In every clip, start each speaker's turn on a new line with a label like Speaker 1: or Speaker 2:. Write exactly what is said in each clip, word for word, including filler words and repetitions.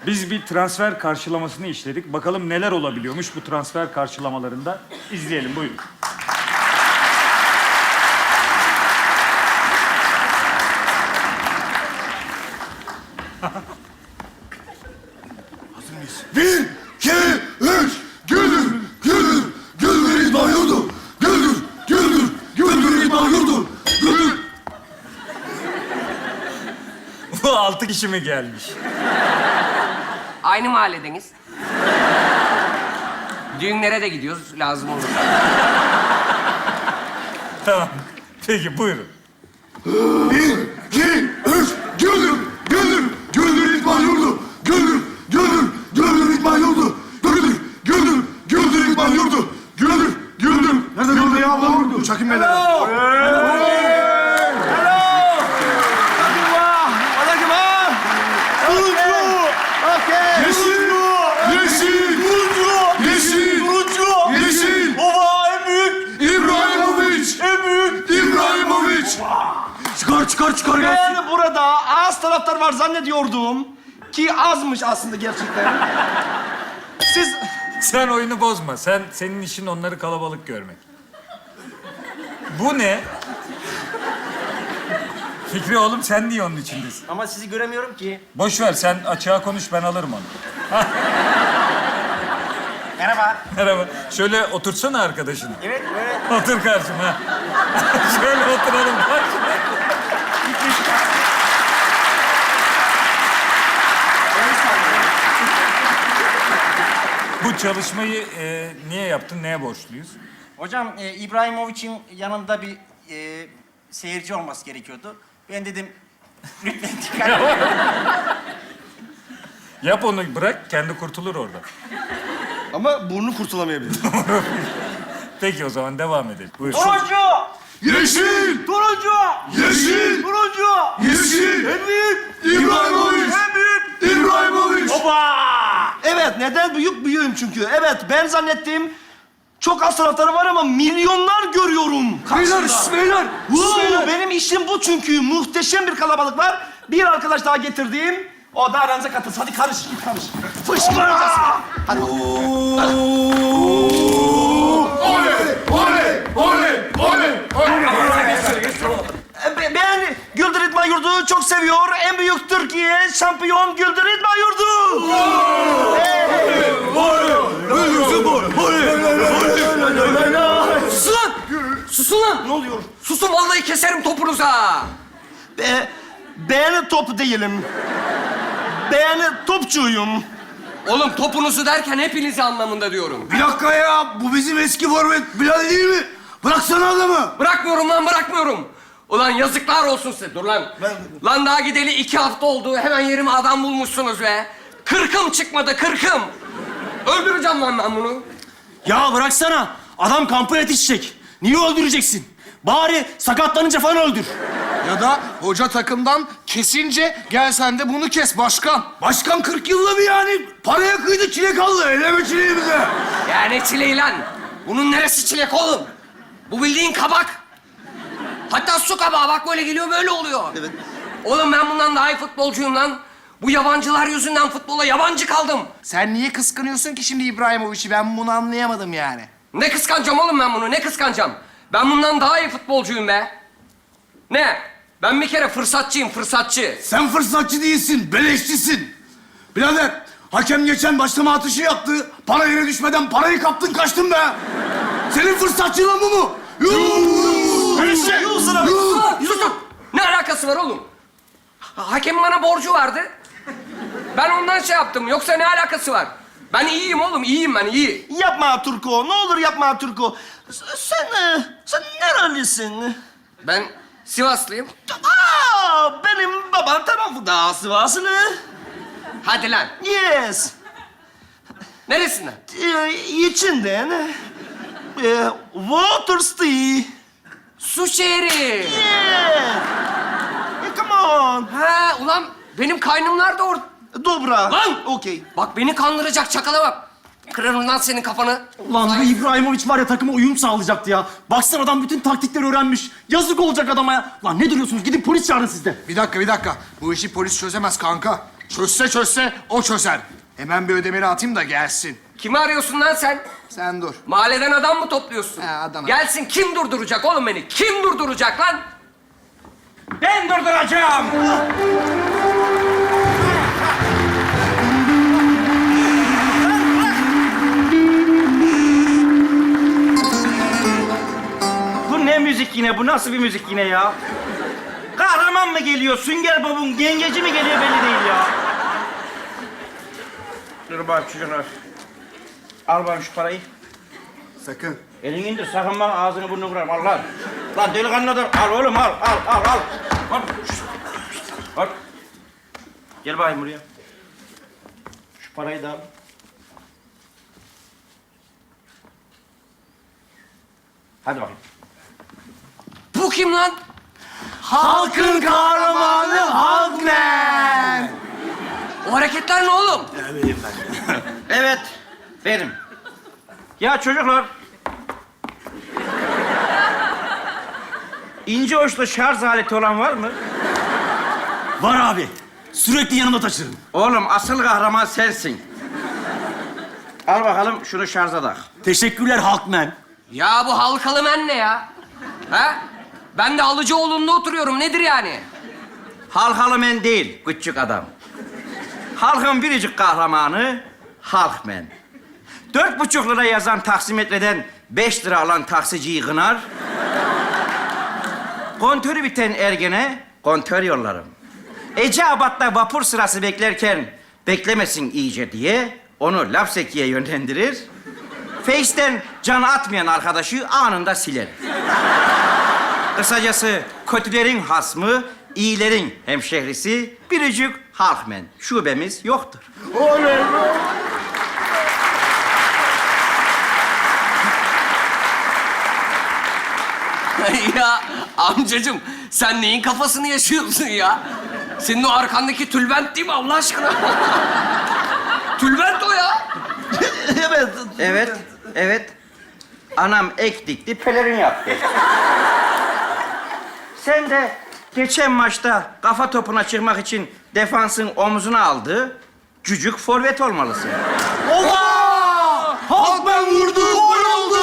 Speaker 1: Biz bir transfer karşılamasını işledik. Bakalım neler olabiliyormuş bu transfer karşılamalarında. İzleyelim, buyurun.
Speaker 2: Hazır mıyız? Bir, iki, üç. Güldür, güldür, güldür İdman Yurdu. Güldür, güldür, güldür İdman Yurdu. Güldür.
Speaker 1: Bu altı kişi mi gelmiş?
Speaker 3: Aynı mahalledeniz. Düğünlere de gidiyoruz, lazım olur.
Speaker 1: Tamam. Peki, buyurun.
Speaker 2: Bir, iki, üç. Güldür, güldür, güldür İdman Yurdu. Güldür, güldür, güldür İdman Yurdu. Güldür, güldür, güldür İdman Yurdu. Güldür, güldür. Nerede güldür ya bu? Uçak inmeleri. Yeşil! Yeşil! Turuncu! Yeşil! Turuncu! Yeşil!
Speaker 4: Baba en büyük!
Speaker 2: İbrahimovic!
Speaker 4: En büyük!
Speaker 2: İbrahimovic! Çıkar, çıkar, çıkar gelsin.
Speaker 4: Ben burada az taraftar var zannediyordum. Ki azmış aslında gerçekten. Siz...
Speaker 1: Sen oyunu bozma. Sen, senin işin onları kalabalık görmek. Bu ne? Fikri oğlum, sen niye onun içindesin?
Speaker 4: Ama sizi göremiyorum ki.
Speaker 1: Boş ver, sen açığa konuş, ben alırım onu.
Speaker 4: Merhaba.
Speaker 1: Merhaba. Şöyle otursana arkadaşını.
Speaker 4: Evet, böyle.
Speaker 1: Otur karşıma. Şöyle oturalım. Bu çalışmayı e, niye yaptın, neye borçluyuz?
Speaker 5: Hocam e, İbrahimovic'in yanında bir e, seyirci olması gerekiyordu. Ben dedim lütfen dikkat edin.
Speaker 1: Yap onu, bırak, kendi kurtulur orada.
Speaker 4: Ama burnu kurtulamayabilir.
Speaker 1: Peki o zaman devam edelim. Buyur.
Speaker 4: Turuncu!
Speaker 2: Yeşil!
Speaker 4: Turuncu!
Speaker 2: Yeşil!
Speaker 4: Turuncu!
Speaker 2: Yeşil!
Speaker 4: En büyük!
Speaker 2: İbrahimovic!
Speaker 4: En büyük!
Speaker 2: İbrahimovic!
Speaker 4: Baba! Evet, neden büyük? Büyüğüm çünkü. Evet, ben zannettim çok az taraftarı var ama milyonlar görüyorum karşımda.
Speaker 2: Beyler, şş, beyler!
Speaker 4: Wow,
Speaker 2: Beyler!
Speaker 4: benim işim bu çünkü. Muhteşem bir kalabalık var. Bir arkadaş daha getirdim. O da aranıza katılsın. Hadi karış, git karış. Fışkıracağız. Hadi.
Speaker 2: Oley! Oley! Oley! Oley!
Speaker 4: E, Ben Güldür İdman Yurdu'yu çok seviyor. En büyük Türkiye şampiyon Güldür İdman Yurdu.
Speaker 3: Susun lan! Susun lan!
Speaker 4: Ne oluyor?
Speaker 3: Susun, vallahi keserim topunuza!
Speaker 4: Be, ben top değilim. Ben topçuyum.
Speaker 3: Oğlum topunuzu derken hepinizi anlamında diyorum.
Speaker 2: Bir dakika ya, bu bizim eski forvet Bilal değil mi? Bıraksana adamı.
Speaker 3: Bırakmıyorum lan, bırakmıyorum. Ulan yazıklar olsun size. Dur lan. Lan daha gideli iki hafta oldu. Hemen yerime adam bulmuşsunuz be. Kırkım çıkmadı, kırkım. Öldüreceğim lan ben bunu.
Speaker 4: Ya bıraksana. Adam kampa yetişecek. Niye öldüreceksin? Bari sakatlanınca falan öldür.
Speaker 6: Ya da hoca takımdan kesince gel sen de bunu kes başkan.
Speaker 2: Başkan kırk yılda bir yani paraya kıydı, çilek aldı. Eleme çileği bize.
Speaker 3: Ya ne çileği lan? Bunun neresi çilek oğlum? Bu bildiğin kabak. Hatta su kabağı, bak böyle geliyor, böyle oluyor.
Speaker 4: Evet.
Speaker 3: Oğlum ben bundan daha iyi futbolcuyum lan. Bu yabancılar yüzünden futbola yabancı kaldım.
Speaker 6: Sen niye kıskanıyorsun ki şimdi İbrahimovic'i? Ben bunu anlayamadım yani.
Speaker 3: Ne kıskanacağım oğlum ben bunu, ne kıskanacağım? Ben bundan daha iyi futbolcuyum be. Ne? Ben bir kere fırsatçıyım, fırsatçı.
Speaker 2: Sen fırsatçı değilsin, beleşçisin. Birader, hakem geçen başlama atışı yaptı. Para yere düşmeden parayı kaptın, kaçtın be. Senin fırsatçılığın bu mu? Yuh!
Speaker 4: Neyse. Yuh sana.
Speaker 2: Yuh!
Speaker 3: Susun! Ne alakası var oğlum? Ha- Hakemin bana borcu vardı. Ben ondan şey yaptım, yoksa ne alakası var? Ben iyiyim oğlum, iyiyim ben, iyi.
Speaker 4: Yapma Turko. Ne olur yapma Turko. S- Sen, e, sen nerelisin?
Speaker 3: Ben Sivaslıyım.
Speaker 4: Aa, benim babam tarafı da Sivaslı.
Speaker 3: Hadi lan.
Speaker 4: Yes.
Speaker 3: Neresinden?
Speaker 4: Ee, içinden. Ee, Waterstee.
Speaker 3: Su şehri.
Speaker 4: Yeah. E, come on.
Speaker 3: Ha ulan benim kaynımlar da orada.
Speaker 4: Dobra.
Speaker 3: Lan!
Speaker 4: Okey.
Speaker 3: Bak beni kandıracak çakala bak. Kırarım lan senin kafanı.
Speaker 7: Lan bu İbrahimovic var ya, takıma uyum sağlayacaktı ya. Baksana adam bütün taktikleri öğrenmiş. Yazık olacak adama ya. Lan ne duruyorsunuz? Gidin polis çağırın siz de.
Speaker 6: Bir dakika, bir dakika. Bu işi polis çözemez kanka. Çözse çözse o çözer. Hemen bir ödemeni atayım da gelsin.
Speaker 3: Kimi arıyorsun lan sen?
Speaker 6: Sen dur.
Speaker 3: Mahalleden adam mı topluyorsun?
Speaker 6: He, adam.
Speaker 3: Gelsin, kim durduracak oğlum beni? Kim durduracak lan?
Speaker 4: Ben durduracağım. Bu ne müzik yine? Bu nasıl bir müzik yine ya? Kahraman mı geliyor? Sünger Bob'un yengeci mi geliyor belli değil ya. Dur bak çocuklar. Al bana şu parayı.
Speaker 2: Sakın.
Speaker 4: Elini indir, sakın bak ağzını burnunu kırarım. Al lan. Lan delikanlı adam. Al oğlum, al, al, al, al. Al. Al. Gel bakayım buraya. Şu parayı da al. Hadi bakayım.
Speaker 3: Bu kim lan?
Speaker 6: Halkın kahramanı Halkman.
Speaker 3: O hareketler ne oğlum?
Speaker 4: Evet, benim. Ya çocuklar. İnce uçlu şarj aleti olan var mı?
Speaker 7: Var abi. Sürekli yanımda taşırım.
Speaker 4: Oğlum asıl kahraman sensin. Al bakalım şunu şarja tak.
Speaker 7: Teşekkürler Halkman.
Speaker 3: Ya bu halkalı men ne ya? Ha? Ben de Alıcıoğlu'nda oturuyorum. Nedir yani?
Speaker 4: Halkalı men değil, küçük adam. Halkın biricik kahramanı Halkman. Dört buçuk lira yazan taksimetreden beş lira alan taksiciyi kınar. Kontörü biten ergene kontör yollarım. Eceabat'ta vapur sırası beklerken beklemesin iyice diye onu Lapseki'ye yönlendirir. Face'ten can atmayan arkadaşı anında siler. Kısacası kötülerin hasmı, iyilerin hemşehrisi biricik Halkman. Şubemiz yoktur.
Speaker 3: Ya amcacığım, sen neyin kafasını yaşıyorsun ya? Senin o arkandaki tülbent değil mi Allah aşkına? Tülbent o ya.
Speaker 4: Evet. Evet, evet. Anam ek dikti, pelerin yaptı. Sen de geçen maçta kafa topuna çıkmak için defansın omzuna aldığı cücük forvet olmalısın.
Speaker 2: Halkman vurdu. Gol oldu.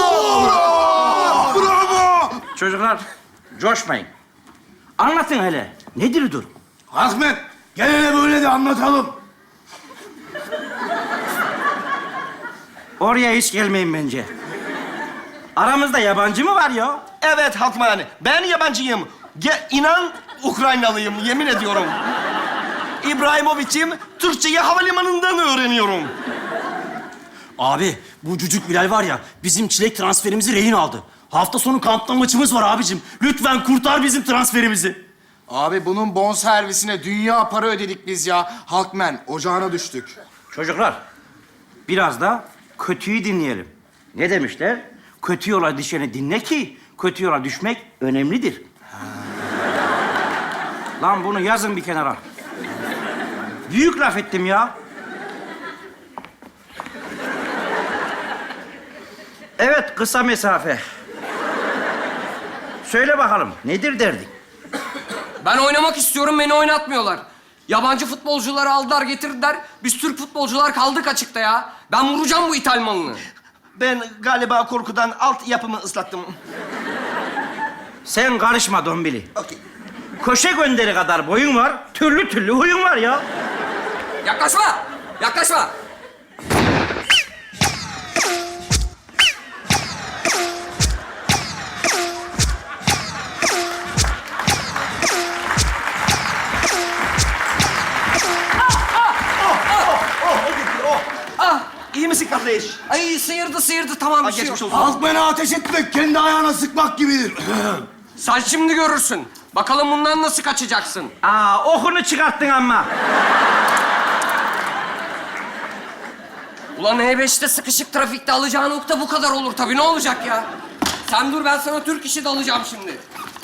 Speaker 2: Bravo.
Speaker 4: Çocuklar, coşmayın. Anlatın hele. Nedir durum?
Speaker 2: Halkman gel hele böyle de anlatalım.
Speaker 4: Oraya hiç gelmeyin bence. Aramızda yabancı mı var ya?
Speaker 8: Evet Halkman, ben yabancıyım. Ge inan Ukraynalıyım, yemin ediyorum. İbrahimovic'im, Türkçeyi havalimanından öğreniyorum.
Speaker 7: Abi bu cücük Bilal var ya bizim çilek transferimizi rehin aldı. Hafta sonu kampta maçımız var abicim. Lütfen kurtar bizim transferimizi.
Speaker 6: Abi bunun bon servisine dünya para ödedik biz ya. Halkman ocağına düştük.
Speaker 4: Çocuklar, biraz da kötüyü dinleyelim. Ne demişler? Kötü yola düşeni dinle ki kötü yola düşmek önemlidir. Lan bunu yazın bir kenara. Büyük laf ettim ya. Evet, kısa mesafe. Söyle bakalım, nedir derdin?
Speaker 3: Ben oynamak istiyorum, beni oynatmıyorlar. Yabancı futbolcuları aldılar getirdiler. Biz Türk futbolcular kaldık açıkta ya. Ben vuracağım bu İthal malını.
Speaker 8: Ben galiba korkudan alt yapımı ıslattım.
Speaker 4: Sen karışma Dombili.
Speaker 8: Okey.
Speaker 4: Köşe gönderi kadar boyun var, türlü türlü huyun var ya.
Speaker 3: Yaklaşma! Yaklaşma!
Speaker 8: İyi misin kardeş?
Speaker 3: Ay sıyırdı sıyırdı, tamam bir şey yok.
Speaker 8: Geçmiş olsun.
Speaker 2: Halkman'a ateş etmek kendi ayağına sıkmak gibidir.
Speaker 3: Sen şimdi görürsün. Bakalım bundan nasıl kaçacaksın?
Speaker 4: Aa, okunu çıkarttın ama.
Speaker 3: Ulan E beşte sıkışık trafikte alacağın nokta bu kadar olur tabii. Ne olacak ya? Sen dur, ben sana Türk işi de alacağım şimdi.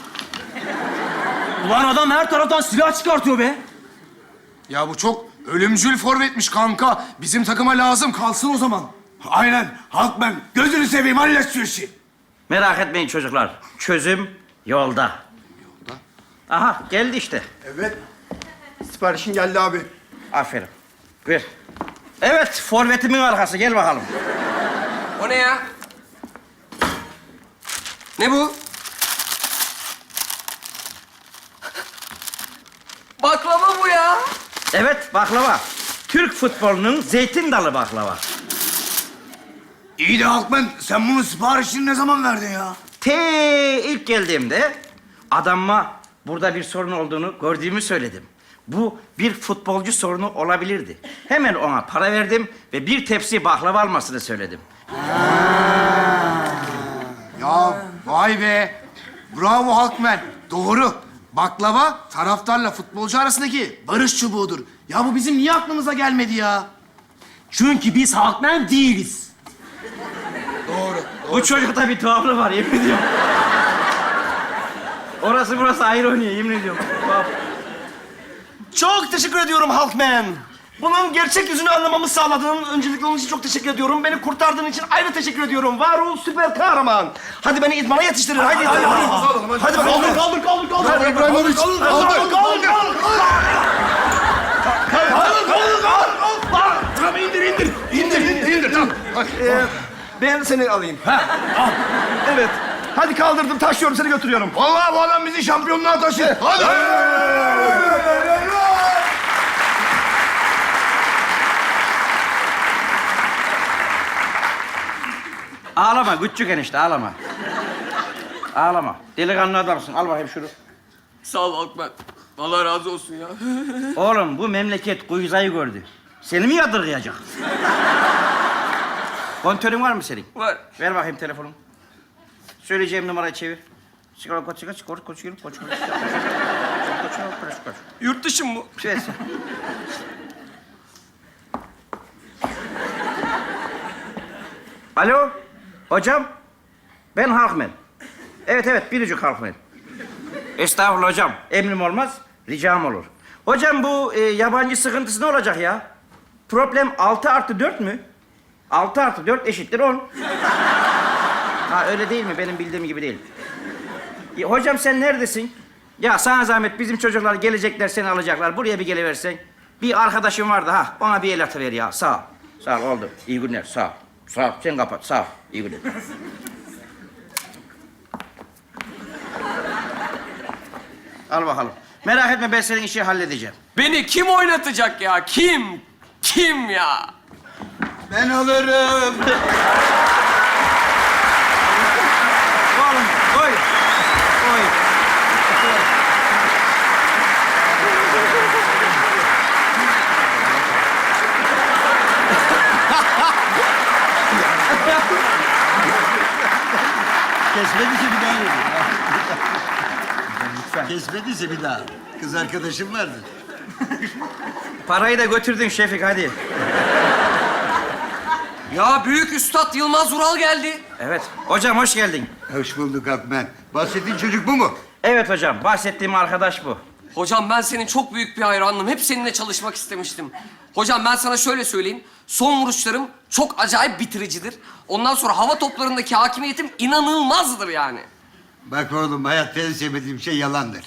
Speaker 7: Ulan adam her taraftan silah çıkartıyor be.
Speaker 6: Ya bu çok ölümcül forvetmiş kanka. Bizim takıma lazım. Kalsın o zaman.
Speaker 2: Aynen. Halkman gözünü seveyim hallet şu işi.
Speaker 4: Merak etmeyin çocuklar. Çözüm yolda. Yolda? Aha, geldi işte.
Speaker 2: Evet. Siparişin geldi abi.
Speaker 4: Aferin. Ver. Evet, forvetimin arkası. Gel bakalım.
Speaker 3: O ne ya? Ne bu? Baklava bu ya.
Speaker 4: Evet, baklava. Türk futbolunun zeytin dalı baklava.
Speaker 2: İyi de Halkmen, sen bunun siparişini ne zaman verdin ya?
Speaker 4: Te ilk geldiğimde adamma burada bir sorun olduğunu gördüğümü söyledim. Bu bir futbolcu sorunu olabilirdi. Hemen ona para verdim ve bir tepsi baklava almasını söyledim.
Speaker 6: Ya vay be. Bravo Halkmen. Doğru. Baklava taraftarla futbolcu arasındaki barış çubuğudur. Ya bu bizim niye aklımıza gelmedi ya?
Speaker 7: Çünkü biz halkmen değiliz.
Speaker 4: Bu çocukta bir tuhaflık var, yemin ediyorum. Orası burası ayrı oynuyor, yemin ediyorum. Tuhaf.
Speaker 8: Çok teşekkür ediyorum Halkman. Bunun gerçek yüzünü anlamamı sağladığın öncelikle onun için çok teşekkür ediyorum. Beni kurtardığın için ayrı teşekkür ediyorum. Var ol süper kahraman. Hadi beni idmana yetiştirin. Hadi. Hadi, hadi, hadi. Hadi bakalım.
Speaker 2: Kaldır, kaldır, kaldır, kaldır.
Speaker 6: Hadi İbrahimovic.
Speaker 2: Kaldır,
Speaker 6: Kaldır.
Speaker 2: kaldır, kaldır, kaldır. Kaldır, kaldır, kaldır.
Speaker 6: Tamam indir indir. İndir indir indir. Tamam.
Speaker 8: Ee, ben seni alayım. Evet. Hadi kaldırdım, taşıyorum, seni götürüyorum.
Speaker 2: Vallahi bu adam bizi şampiyonluğa taşır. Hadi.
Speaker 4: Ağlama, küçük enişte, ağlama. Ağlama. Delikanlı adamsın, al bakayım şunu.
Speaker 3: Sağ ol Halkman. Allah razı olsun ya.
Speaker 4: Oğlum, bu memleket kuyuzayı gördü. Seni mi yadırgayacak? Kontörün var mı senin?
Speaker 3: Var.
Speaker 4: Ver bakayım telefonu. Söyleyeceğim numarayı çevir. Sigara koç, sigara, koç, koç, koç, koç, koç, koç, koç.
Speaker 3: Yurt dışı mı bu?
Speaker 4: Şey. Alo, hocam. Ben Halkmen. Evet, evet, biricik Halkmen. Estağfurullah hocam. Emrim olmaz, ricam olur. Hocam bu e, yabancı sıkıntısı ne olacak ya? Problem altı artı dört mü? Altı artı dört eşittir on. Ha öyle değil mi? Benim bildiğim gibi değil. Ya, hocam sen neredesin? Ya sana zahmet bizim çocuklar gelecekler seni alacaklar. Buraya bir geliversen. Bir arkadaşım vardı ha. Ona bir el atıver ya. Sağ ol. Sağ ol oldu. İyi günler. Sağ ol. Sağ ol. Sen kapat. Sağ ol. İyi günler. Al bakalım. Merak etme ben senin işi halledeceğim.
Speaker 3: Beni kim oynatacak ya? Kim? Kim ya?
Speaker 2: Ben alırım.
Speaker 4: Oğlum koy. Koy.
Speaker 9: Kesmediyse bir daha yedim. Kesmediyse bir daha. Kız arkadaşım vardı.
Speaker 4: Parayı da götürdün Şefik hadi.
Speaker 3: Ya büyük üstad Yılmaz Vural geldi.
Speaker 4: Evet. Hocam hoş geldin.
Speaker 9: Hoş bulduk Akmen. Bahsettiğin çocuk bu mu?
Speaker 4: Evet hocam. Bahsettiğim arkadaş bu.
Speaker 3: Hocam ben senin çok büyük bir hayranım. Hep seninle çalışmak istemiştim. Hocam ben sana şöyle söyleyeyim. Son vuruşlarım çok acayip bitiricidir. Ondan sonra hava toplarındaki hakimiyetim inanılmazdır yani.
Speaker 9: Bak oğlum hayatta en sevmediğim şey yalandır.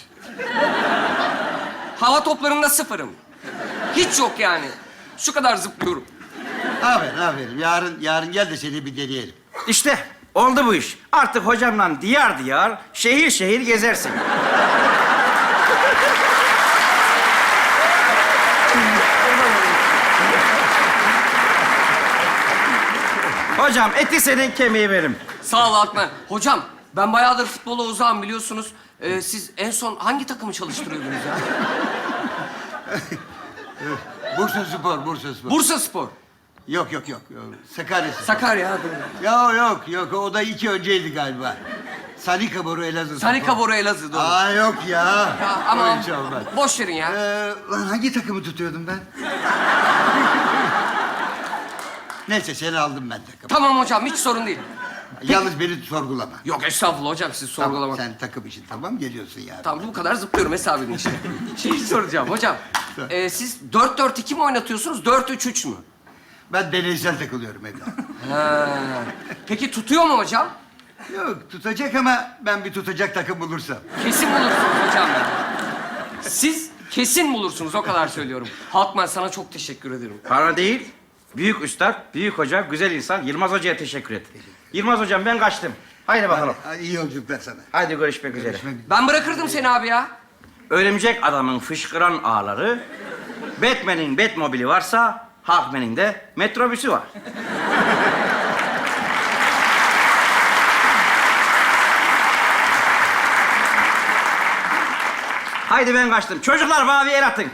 Speaker 3: Hava toplarında sıfırım. Hiç yok yani. Şu kadar zıplıyorum.
Speaker 9: Aferin aferin. Yarın, yarın gel de seni bir deneyelim.
Speaker 4: İşte oldu bu iş. Artık hocamla diyar diyar, şehir şehir gezersin. Hocam eti senin kemiği benim.
Speaker 3: Sağ ol Akmen. Hocam ben bayağıdır futbola uzağım biliyorsunuz. Ee, siz en son hangi takımı çalıştırıyordunuz ya?
Speaker 9: Bursa Spor, Bursa Spor.
Speaker 3: Bursa Spor.
Speaker 9: Yok yok yok. yok. Sakarya Spor.
Speaker 3: Sakarya. ha, doğru.
Speaker 9: Ya yok yok. O da iki önceydi galiba. Sanika Boru Elazığ
Speaker 3: Sanika
Speaker 9: Spor.
Speaker 3: Boru Elazığ doğru.
Speaker 9: Aa yok ya.
Speaker 3: Ya, ama
Speaker 9: Öyle hiç olmaz.
Speaker 3: boş verin ya.
Speaker 9: Ee, lan hangi takımı tutuyordum ben? Neyse seni aldım ben takım.
Speaker 3: Tamam hocam hiç sorun değil.
Speaker 9: Yalnız beni sorgulama.
Speaker 3: Yok estağfurullah hocam siz sorgulamak.
Speaker 9: Tamam, sen takım için tamam geliyorsun yani.
Speaker 3: Tamam bu kadar zıplıyorum hesabını işte. Şeyi soracağım hocam. Ee, siz dört dört iki mi oynatıyorsunuz, dört üç üç mü?
Speaker 9: Ben deneysel takılıyorum evladım.
Speaker 3: Ha. Peki tutuyor mu hocam?
Speaker 9: Yok tutacak ama ben bir tutacak takım bulursam.
Speaker 3: Kesin bulursunuz hocam. Siz Kesin bulursunuz, o kadar söylüyorum. Halkman, sana çok teşekkür ederim.
Speaker 4: Bana değil, büyük üstad, büyük hoca, güzel insan Yılmaz Hoca'ya teşekkür et. Yılmaz Hocam ben kaçtım. Haydi bakalım.
Speaker 9: Hadi, iyi yolculuklar sana.
Speaker 4: Haydi görüşmek üzere.
Speaker 3: Ben bırakırdım seni abi ya.
Speaker 4: Örümcek adamın fışkıran ağları, Batman'in Batmobili varsa, Hawkman'in de metrobüsü var. Haydi ben kaçtım. Çocuklar bana bir el atın.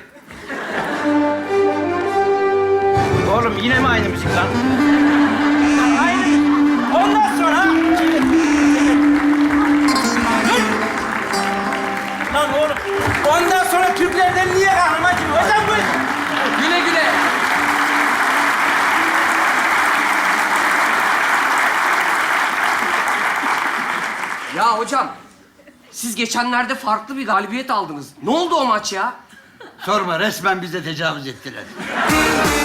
Speaker 4: Oğlum yine mi aynı müzik lan? Aynı. Ondan sonra... Lan oğlum, ondan sonra Türklerden niye kahraman gibi? Hocam bu...
Speaker 3: Güle güle. Ya hocam, siz geçenlerde farklı bir galibiyet aldınız. Ne oldu o maç ya?
Speaker 9: Sorma resmen bize tecavüz ettiler.